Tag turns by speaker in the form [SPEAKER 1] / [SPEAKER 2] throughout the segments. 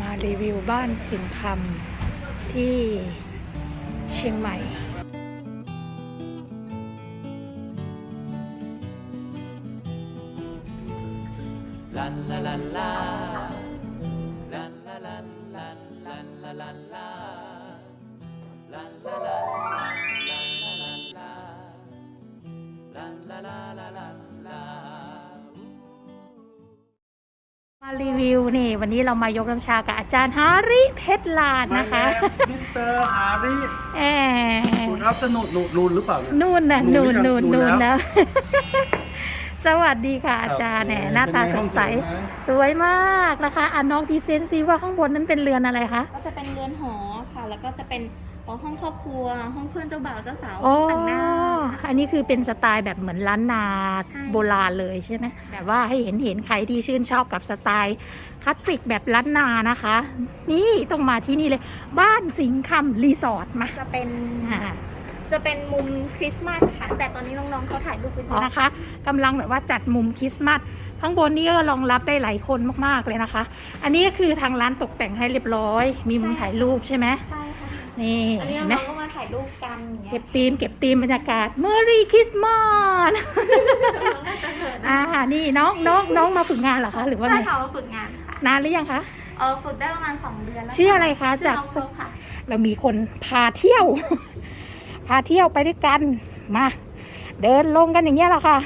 [SPEAKER 1] มารีวิวบ้านสิงห์คำที่เชียงใหม่
[SPEAKER 2] ลันลาลันลาลันลาลันลันลันลาลันลาลันลาลันลันลาลันลาลันลาลาลาลันลา
[SPEAKER 1] มารีวิวนี่วันนี้เรามายกน้ำชากับอาจารย์ฮาริเพชรลาดนะคะ
[SPEAKER 3] มิสเตอร์ฮาริคุณอัพจะนูนหรือเปล่าเนี่ย
[SPEAKER 1] นู่นนะนู่นนะ สวัสดีค่ะอาจารย์
[SPEAKER 3] ครับ
[SPEAKER 1] เนี่ยหน้าตาสดใส สวยมากนะคะน้องพรีเซนต์ซิว่าข้างบนนั้นเป็นเรือนอะไรคะ
[SPEAKER 4] ก็จะเป็นเรือนหอค่ะ แล้วก็จะเป็นห้องครอบครัว ห้องเพื่อนเจ้าบ่าวเจ้าสาว
[SPEAKER 1] อ๋อ
[SPEAKER 4] แต่งหน้า
[SPEAKER 1] อันนี้คือเป็นสไตล์แบบเหมือนล้านนา
[SPEAKER 4] ใช่
[SPEAKER 1] โบราณเลยใช่ไหมแบบว่าให้เห็นใครที่ชื่นชอบกับสไตล์คลาสสิกแบบล้านนานะคะ นี่ต้องมาที่นี่เลย บ้านสิงห์คำรีสอร์ทมา
[SPEAKER 4] จะเป็น
[SPEAKER 1] อ่า
[SPEAKER 4] มุมคริสต์มาสค่ะ แต่ตอนนี้น้องๆเขาถ่ายรูปเป็น
[SPEAKER 1] นะคะกำลังแบบว่าจัดมุมคริสต์มาสข้างบนนี้ก็รองรับได้หลายคนมากๆเลยนะคะ อันนี้ก็คือทางร้านตกแต่งให้เรียบร้อย มีมุมถ่ายรูปใช่ไหม
[SPEAKER 4] ใช่ค่ะ
[SPEAKER 1] นี่
[SPEAKER 4] อันนี้
[SPEAKER 1] เห็นไหม
[SPEAKER 4] น้องๆก็มาถ่ายรูปกันอย่างเงี้
[SPEAKER 1] เก็
[SPEAKER 4] ย
[SPEAKER 1] บธีมบรรยากาศ Merry Christmas
[SPEAKER 4] น้องๆน่าจะเหิน
[SPEAKER 1] นี่น้องมาฝึกงานเหรอคะหรือว่า
[SPEAKER 4] ใช่
[SPEAKER 1] ไง
[SPEAKER 4] ค่ะมาฝึกงานค่ะ
[SPEAKER 1] นานหรือยังคะ
[SPEAKER 4] ฝึกได้ประมาณ2 เดือนแล้ว
[SPEAKER 1] ชื่ออะไรคะ
[SPEAKER 4] ชื่อ
[SPEAKER 1] จาก
[SPEAKER 4] น้องโฟกค่ะ
[SPEAKER 1] เรามีคนพาเที่ยว พาเที่ยวไปด้วยกันมา เดินลงกันอย่างเงี้ยแหละค่ะ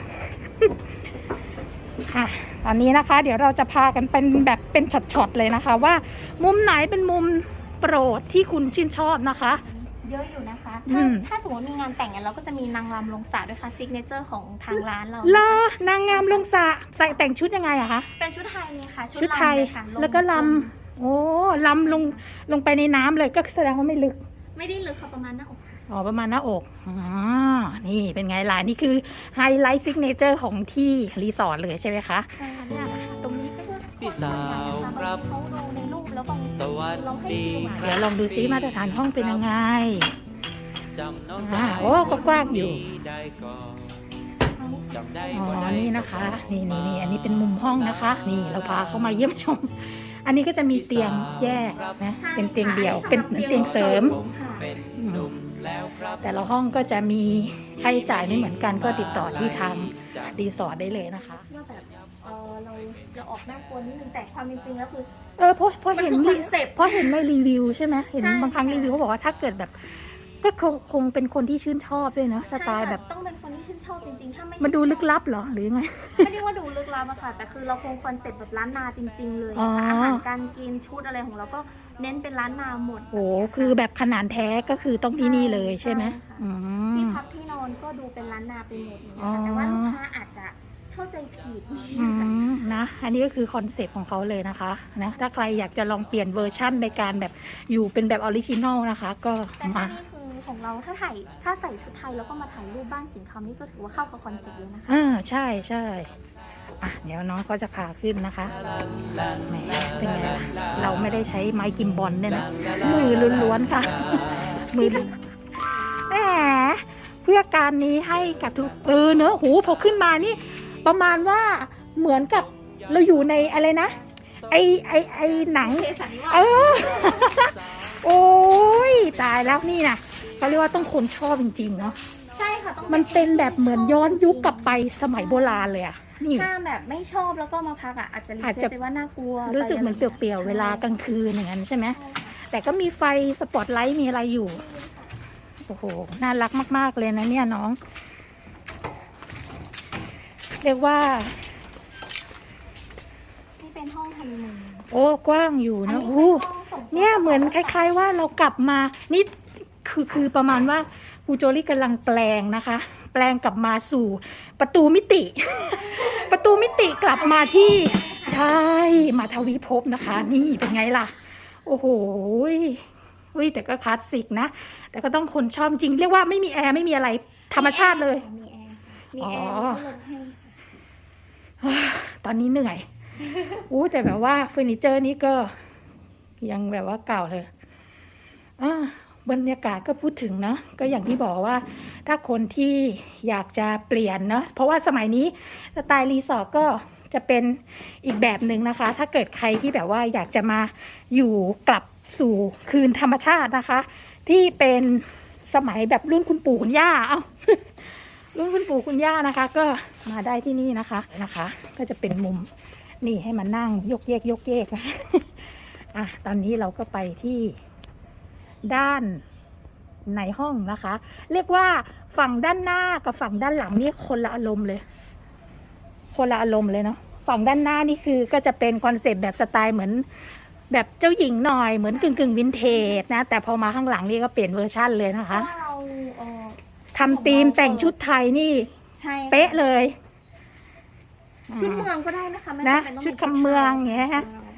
[SPEAKER 1] ตอนนี้นะคะ เดี๋ยวเราจะพากันเป็นแบบเป็นช็อตๆเลยนะคะ ว่ามุมไหนเป็นมุมโปรดที่คุณชื่นชอบนะคะ
[SPEAKER 4] เยอะอยู่นะคะ
[SPEAKER 1] อืม
[SPEAKER 4] ถ้าสมมติมีงานแต่งเนี่ยเราก็จะมีนางรำลงสระด้วยค่ะซิกเนเจอร์ของทางร้านเรา
[SPEAKER 1] ลานางงามลงสระใส่แต่งชุดยังไงอะคะ
[SPEAKER 4] เป็นชุดไทยเลยค่ะ
[SPEAKER 1] ชุดไทย
[SPEAKER 4] ลำเลยค่ะ
[SPEAKER 1] แล้วก็ลำโอ้ลำลงไปในน้ำเลยก็แสดงว่าไม่ลึก
[SPEAKER 4] ไม่ได้ลึกค่ะประมาณหน้าอกค่ะ
[SPEAKER 1] อ๋อประมาณหน้าอกนี่เป็นไงล่ะนี่คือไฮไลท์ซิกเนเจอร์ของที่รีสอร์ทเลยใช่ไหมคะ
[SPEAKER 4] ใช่ค่ะเนี่ยตรงนี้ก็คือ
[SPEAKER 2] พี่สาวครับ
[SPEAKER 4] เขาลงในรูปแล้วบาง
[SPEAKER 2] สวัส
[SPEAKER 4] เราให้
[SPEAKER 2] ดี
[SPEAKER 4] ดู
[SPEAKER 2] ค
[SPEAKER 4] มา
[SPEAKER 2] รับ
[SPEAKER 1] เดี๋ยวลองดูซิมาตรฐานห้องเป็นยังไง
[SPEAKER 2] จำน้องจ๋า
[SPEAKER 1] โอ้ก็กว้างอยู่
[SPEAKER 2] ได้ก่อนจำได้
[SPEAKER 1] อ๋อ
[SPEAKER 2] บ่ได้
[SPEAKER 1] นี่นะคะ นี่อันนี้เป็นมุมห้องนะคะ นี่เราพาเข้ามาเยี่ยมชม อันนี้ก็จะมีเตียงแยกนะ เป็นเตียงเดี่ยว เป็นเหมือนเตียงเสริม
[SPEAKER 2] ผมเป็นหนุ่มแล้วครับ
[SPEAKER 1] แต่ละห้องก็จะมีค่าใช้จ่ายไม่เหมือนกันก็ติดต่อที่ทางรีสอร์ทได้เลยนะคะ
[SPEAKER 4] ว่าแบบเราออกน่ากลัวนิดนึงแต่ความเป็นจริงแล้วคือ
[SPEAKER 1] เพราะเห็น
[SPEAKER 4] มันคือคอนเซ็ปต์
[SPEAKER 1] เพราะเห็นในรีวิวใช่ไหมเห็น
[SPEAKER 4] ใช่
[SPEAKER 1] บางครั้งรีวิวเขาบอกว่าถ้าเกิดแบบ ก็คงเป็นคนที่ชื่นชอบด้วยเนอะสไตล์แบบ
[SPEAKER 4] ต้องเป็นคนที่ชื่นชอบจริงๆถ้าไม่
[SPEAKER 1] มันดูลึกลับเหรอหรือไง
[SPEAKER 4] ไม่ได้ว่าดูลึกลับอะค่ะแต่คือเราคงคอนเซ็ปต์แบบล้านนาจริง ๆ เลย
[SPEAKER 1] อ๋อ
[SPEAKER 4] อาหารการกินชุดอะไรของเราก็เน้นเป็นล้านนาหมด
[SPEAKER 1] โอ้คือแบบขนาดแท้ก็คือต้องที่นี่เลยใช่ไหม
[SPEAKER 4] ใช่ค่ะ
[SPEAKER 1] อื
[SPEAKER 4] ที่
[SPEAKER 1] ม
[SPEAKER 4] พักที่นอนก็ดูเป็นล้านนาไปหมดอย่าง
[SPEAKER 1] อ๋
[SPEAKER 4] เงี้
[SPEAKER 1] อ
[SPEAKER 4] ยค่ะแต่ว่าลูกค้าอาจจะเข้าใจผิด
[SPEAKER 1] นะอันนี้ก็คือคอนเซ็ปต์ของเขาเลยนะคะนะถ้าใครอยากจะลองเปลี่ยนเวอร์ชั่นในการแบบอยู่เป็นแบบออริจินอลนะคะ ก็
[SPEAKER 4] แต่ถ้า
[SPEAKER 1] มา
[SPEAKER 4] นี่คือของเราถ้าใส่ชุดไทยแล้วก็มาถ่ายรูปบ้านสิงห์คำนี่ก็ถือว่าเข้ากับคอนเซ็ปต์เลยนะคะ
[SPEAKER 1] ใช่เดี๋ยวน้องก็จะพาขึ้นนะคะแหมเป็นไงล่ะเราไม่ได้ใช้ไม้กิมบอลเนี่ยนะมือล้วนๆค่ะ มือแหมเพื่อการนี้ให้กับทุกเนอะหูพอขึ้นมานี่ ประมาณว่าเหมือนกับเราอยู่ในอะไรนะ ไอหนัง
[SPEAKER 4] เคสันนิวาส
[SPEAKER 1] เออ โอ้ยตายแล้วนี่นะเขาเรียกว่าต้องคนชอบจริงๆเนาะ
[SPEAKER 4] ใช่ค่ะต้อง
[SPEAKER 1] มันเป็นแบบเหมือนย้อนยุคกลับไปสมัยโบราณเลยอะนี่
[SPEAKER 4] ถ้าแบบไม่ชอบแล้วก็มาพักอ่ะอาจจะรี
[SPEAKER 1] อาจ
[SPEAKER 4] เจ
[SPEAKER 1] จะ
[SPEAKER 4] ไปว่าน่ากลัว
[SPEAKER 1] รู้สึกเหมือนเปลี่ยวๆเวลากลางคืนอย่างนั้นใช่ไหมแต่ก็มีไฟสปอตไลท์มีอะไรอยู่ โอ้โห น่ารักมากๆเลยนะเนี่ยน้อง เรียกว่า
[SPEAKER 4] นี่เป็นห้องฮันนีมูน
[SPEAKER 1] โอ้กว้างอยู่
[SPEAKER 4] อัน
[SPEAKER 1] นะ
[SPEAKER 4] นี้
[SPEAKER 1] โอ้
[SPEAKER 4] เป็นห้องส่งตัว
[SPEAKER 1] เนี่ยเหมือนคล้ายๆว่าเรากลับมา นี่คือประมาณว่าครูโจลี่กำลังแปลงนะคะ แปลงกลับมาสู่ประตูมิติ ประตูมิติกลับมาที่ใช่มาทวีภพนะคะ นี่เป็นไงล่ะ โอ้โหแต่ก็คลาสสิกนะ แต่ก็ต้องคนชอบจริง เรียกว่าไม่มีแอร์ไม่มีอะไรธรรมชาติเลย
[SPEAKER 4] มีแอร์มีแอ
[SPEAKER 1] อ๋
[SPEAKER 4] ร์
[SPEAKER 1] อ
[SPEAKER 4] แล้วก็ลดให้
[SPEAKER 1] ตอนนี้เหนื่อย แต่แบบว่าเฟอร์นิเจอร์นี้ก็ยังแบบว่าเก่าเลยบรรยากาศก็พูดถึงเนาะก็อย่างที่บอกว่า ถ้าคนที่อยากจะเปลี่ยนเนาะเพราะว่าสมัยนี้สไตล์รีสอร์ทก็จะเป็นอีกแบบหนึ่งนะคะ ถ้าเกิดใครที่แบบว่าอยากจะมาอยู่กลับสู่คืนธรรมชาตินะคะ ที่เป็นสมัยแบบรุ่นคุณปู่คุณย่ารุ่นคุณปู่คุณย่านะคะ ก็มาได้ที่นี่นะคะก็จะเป็นมุมนี่ให้มานั่งยกเยกนะตอนนี้เราก็ไปที่ด้านในห้องนะคะ เรียกว่าฝั่งด้านหน้ากับฝั่งด้านหลังนี่คนละอารมณ์เลยเนาะฝั่งด้านหน้านี่คือก็จะเป็นคอนเซปต์แบบสไตล์เหมือนแบบเจ้าหญิงหน่อยเหมือนกึ่งวินเทจนะแต่พอมาข้างหลังนี่ก็เปลี่ยนเวอร์ชั่นเลยนะ
[SPEAKER 4] เพ
[SPEAKER 1] คะ
[SPEAKER 4] ราะว่าเรา
[SPEAKER 1] ทำธีมแต่งชุดไทยนี่
[SPEAKER 4] ใช่ค่ะ
[SPEAKER 1] เป๊ะเลย
[SPEAKER 4] ชุดเมืองก็ได้นะคะไม่
[SPEAKER 1] นะ
[SPEAKER 4] จำเป็นต้อง
[SPEAKER 1] ชุด
[SPEAKER 4] ป็น
[SPEAKER 1] คำเมืองอย่างเงี้ย
[SPEAKER 4] ใช่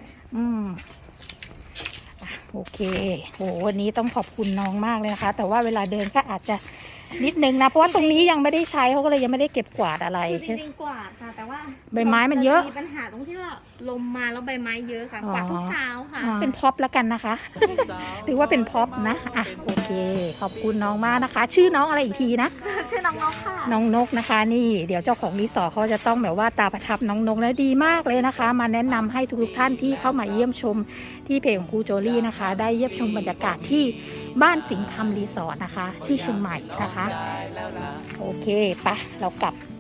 [SPEAKER 1] โอเคโหวันนี้ต้องขอบคุณน้องมากเลยนะคะ แต่ว่าเวลาเดินก็อาจจะนิดนึงนะเพราะว่าตรงนี้ยังไม่ได้ใช้เขาก็เลยยังไม่ได้เก็บกวาดอะไร
[SPEAKER 4] คือจริงๆกวาดค่ะ แต่ว่า
[SPEAKER 1] ใบไม้มันเยอะ
[SPEAKER 4] มีปัญหาตรงที่ว่าลมมาแล้วใบไม้เยอะค่ะ
[SPEAKER 1] อ๋อ
[SPEAKER 4] กวาดทุกเช้าค่ะ
[SPEAKER 1] เป็นพ็อปแล้วกันนะคะ ถือว่าเป็นพ็อปนะโอเค ขอบคุณน้องมากนะคะ ชื่อน้องอะไรอีกทีนะ
[SPEAKER 4] ชื่อน้องนกค่ะ
[SPEAKER 1] น้องนกนะคะนี่เดี๋ยวเจ้าของรีสอร์ทเขาจะต้องแบบว่าตาประทับน้องนกแล้วดีมากเลยนะคะ มาแนะนำให้ทุกท่านที่เข้ามาเยี่ยมชมที่เพจของครูโจลี่นะคะ ได้เยี่ยมชมบรรยากาศที่บ้านสิงห์คำรีสอร์ทนะคะ ที่เชียงใหม่นะคะ โอเคไปเรากลับ